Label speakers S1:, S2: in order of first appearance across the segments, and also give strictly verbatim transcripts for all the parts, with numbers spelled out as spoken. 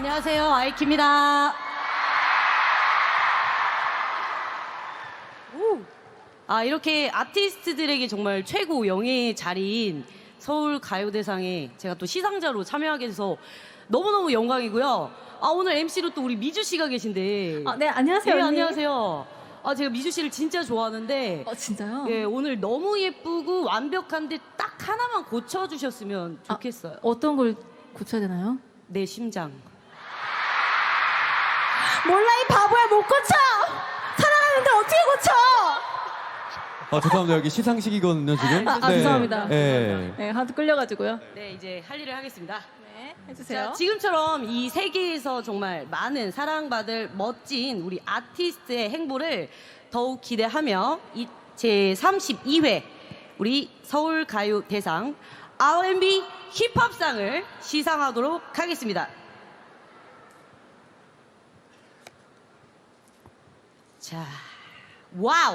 S1: 안녕하세요, 아이키입니다. 오. 아, 이렇게 아티스트들에게 정말 최고 영예의 자리인 서울 가요대상에 제가 또 시상자로 참여하게 돼서 너무너무 영광이고요. 아, 오늘 엠시로 또 우리 미주 씨가 계신데.
S2: 아, 네, 안녕하세요.
S1: 네,
S2: 언니.
S1: 안녕하세요. 아, 제가 미주 씨를 진짜 좋아하는데.
S2: 어, 진짜요?
S1: 예, 오늘 너무 예쁘고 완벽한데 딱 하나만 고쳐주셨으면 좋겠어요.
S2: 아, 어떤 걸 고쳐야 되나요?
S1: 내 심장.
S2: 몰라, 이 바보야, 못 고쳐! 사랑하는데 어떻게 고쳐!
S3: 아, 죄송합니다. 여기 시상식이거든요, 지금.
S2: 아, 아, 죄송합니다.
S3: 네.
S2: 네, 하도 끌려가지고요.
S1: 네, 이제 할 일을 하겠습니다.
S2: 네, 해주세요.
S1: 자, 지금처럼 이 세계에서 정말 많은 사랑받을 멋진 우리 아티스트의 행보를 더욱 기대하며 이 제삼십이 회 우리 서울가요대상 알앤비 힙합상을 시상하도록 하겠습니다. 자, 와우!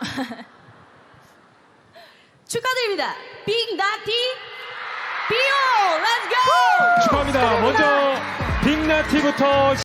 S1: 축하드립니다. 빅나티 비오! 렛츠고!
S4: 축하합니다. 먼저 빅나티부터